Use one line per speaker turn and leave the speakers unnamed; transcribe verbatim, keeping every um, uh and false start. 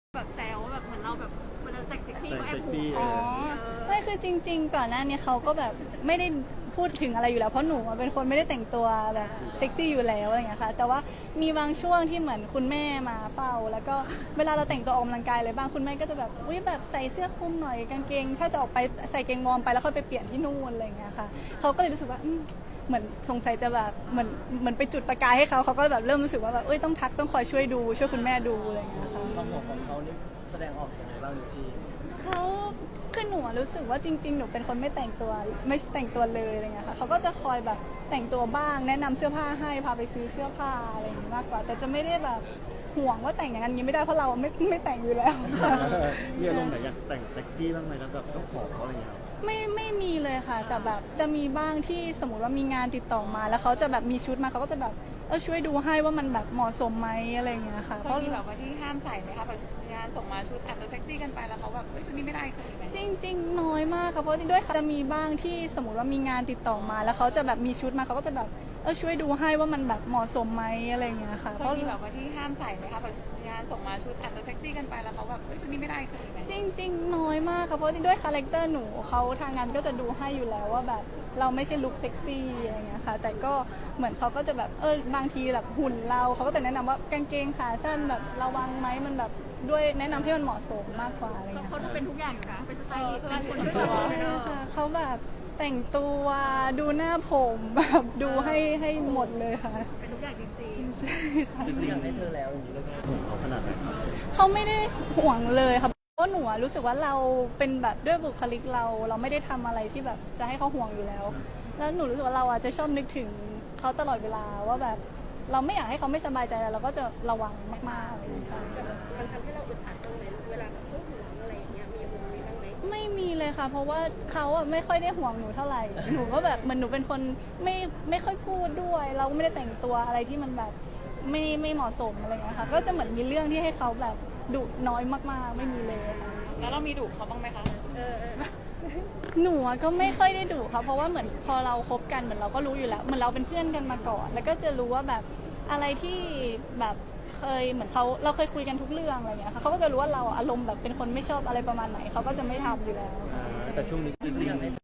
แบบแซวแบบเหมือนเราแบบเวลาแต่งเซ็กซี่ก็แอบห่วง
อ๋อไม่คือจริงๆก่อนหน้านี้เขาก็แบบไม่ได้พูดถึงอะไรอยู่แล้วเพราะหนูอะเป็นคนไม่ได้แต่งตัวแบบเซ็กซี่อยู่แล้วอะไรอย่างเงี้ยค่ะแต่ว่ามีบางช่วงที่เหมือนคุณแม่มาเฝ้าแล้วก็เวลาเราแต่งตัวออกกำลังกายอะไรบ้างคุณแม่ก็จะแบบอุ้ยแบบใส่เสื้อคลุมหน่อยกางเกงถ้าจะออกไปใส่เกงวอร์มไปแล้วค่อยไปเปลี่ยนที่นู่นอะไรอย่างเงี้ยค่ะเขาก็เลยรู้สึกว่าอืมเหมือนสงสัยจะแบบเหมือนเหมือนไปจุดประกายให้เขาเขาก็แบบเริ่มรู้สึกว่าแบบเอ้ยต้องทักต้องคอยช่วยดูช่วยคุณแม่ดูอะไรอย่างเงี้ยค่ะ
ความห่วงของเขานี่แสดงออกยังไงบ้างลิชี่
เขาคือหนูอะรู้สึกว่าจริงๆ หนูเป็นคนไม่แต่งตัวไม่แต่งตัวเลยอะไรเงี้ยค่ะเขาก็จะคอยแบบแต่งตัวบ้างแนะนำเสื้อผ้าให้พาไปซื้อเสื้อผ้าอะไรอย่างงี้มากกว่า แต่จะไม่ได้แบบห่วงว่าแต่งอย่างนั้นอย่างนี้ไม่ได้เพราะเราไม่ไม่แต่งอยู่แล้ว
มีอารมณ์ไหนอยากแต่งเซ็กซี่บ้างไหมแล้วแบบต้องขอเขาอะไรอย่างเงี้ย
ไม่ไม่มีเลยค่ะ แต่แบบจะมีบ้างที่สมมติว่ามีงานติดต่อมา แล้วเขาจะแบบมีชุดมาเขาก็จะแบบเออช่วยดูให้ว่ามันแบบเหมาะสมไหมอะไรอย่างเงี้ยค่ะ
เคยมีแบบว่าที่ห้ามใส่ไหมคะแบบงานส่งมาชุดอาจจะเซ็กซี่กันไปแล้วเขาแบบเอ้ยชุดนี้ไม่ได้เคยมีไหม
จริงๆน้อยมากค่ะเพราะด้วยจะมีบ้างที่สมมติว่ามีงานติดต่อมา แล้วเขาจะแบบมีชุดมาเขาก็จะแบบเออช่วยดูให้ว่ามันแบบเหมาะสมไหมอะไรอย่างเงี้ยค่ะ
เค
เพ
ย
ราะ
มีแบบว่าที่ห้ามใส่ไหมคะแบบงานส่งมาชุดอาจจะเซ็กซี่กันไปแล้วเขาแบบเอ้ยชุดนี้ไม่ได้เคยมีไหม
จริงๆน้อยมากค่ะเพราะด้วยคาแรคเตอร์หนูเขาทางงานก็จะดูให้อยู่แล้วว่าแบบเราไม่ใช่ลุคเซ็กซี่อะไรเงี้ยค่ะแต่ก็เหมือนเขาก็จะแบบเออบางทีแบบหุ่นเราเขาก็จะแนะนำว่ากางเกงขาสั้นแบบระวังไหมมันแบบด้วยแนะนำให้มันเหมาะสมมากกว่าอะไรเงี้ย
เขาดูเป็นทุกอย่างอยู่นะเป็นสไตลิสต์เป็นคน
ใช่ค่ะเขาแบบแต่งตัวดูหน้าผมแบบดูให้ให้หมดเลยค่ะ
เป็นทุกอย่างจริง
ใช่ค่ะ
จริงๆอยากให้เธอแล้วอย่างนี้เลยนะ
ห่วงเขาขนาดไหนครับ
เขาไม่ได้ห่วงเลยค่ะเพราะหนูอะรู้สึกว่าเราเป็นแบบด้วยบุคลิกเรา เราไม่ได้ทำอะไรที่แบบจะให้เขาห่วงอยู่แล้ว แล้วหนูรู้สึกว่าเราอะจะชอบนึกถึงเขาตลอดเวลาว่าแบบเราไม่อยากให้เขาไม่สบายใจแล้วเราก็จะระวังมากๆเลยใช่
มันทำให้เราอึดอัดตรงไหนเวลาเขาห่วงอะไรอย่างเงี้ยมีมุมนี้บ้างไหม
ไม่มีเลยค่ะ เพราะว่าเขาอะไม่ค่อยได้ห่วงหนูเท่าไหร่ หนูก็แบบเหมือนหนูเป็นคนไม่ไม่ค่อยพูดด้วย เราก็ไม่ได้แต่งตัวอะไรที่มันแบบไม่ไม่เหมาะสมอะไรอย่างเงี้ยค่ะ ก็จะเหมือนมีเรื่องที่ให้เขาแบบดุน้อยมากๆ ไม่มีเลยค่ะ
แล้วเรามีดุเขาบ้างไหมคะ
เออเออ
หนูอะก็ไม่ค่อยได้ดุค่ะเพราะว่าเหมือนพอเราคบกันเหมือนเราก็รู้อยู่แล้วเหมือนเราเป็นเพื่อนกันมาก่อน แล้วก็จะรู้ว่าแบบอะไรที่แบบเคยเหมือนเขาเราเคยคุยกันทุกเรื่องอะไรอย่างเงี้ยค่ะเขาก็จะรู้ว่าเราอารมณ์แบบเป็นคนไม่ชอบอะไรประมาณไหนเขาก็จะไม่ทำอยู่แล้ว
แต่ช่วงนี้จริงๆอยากให้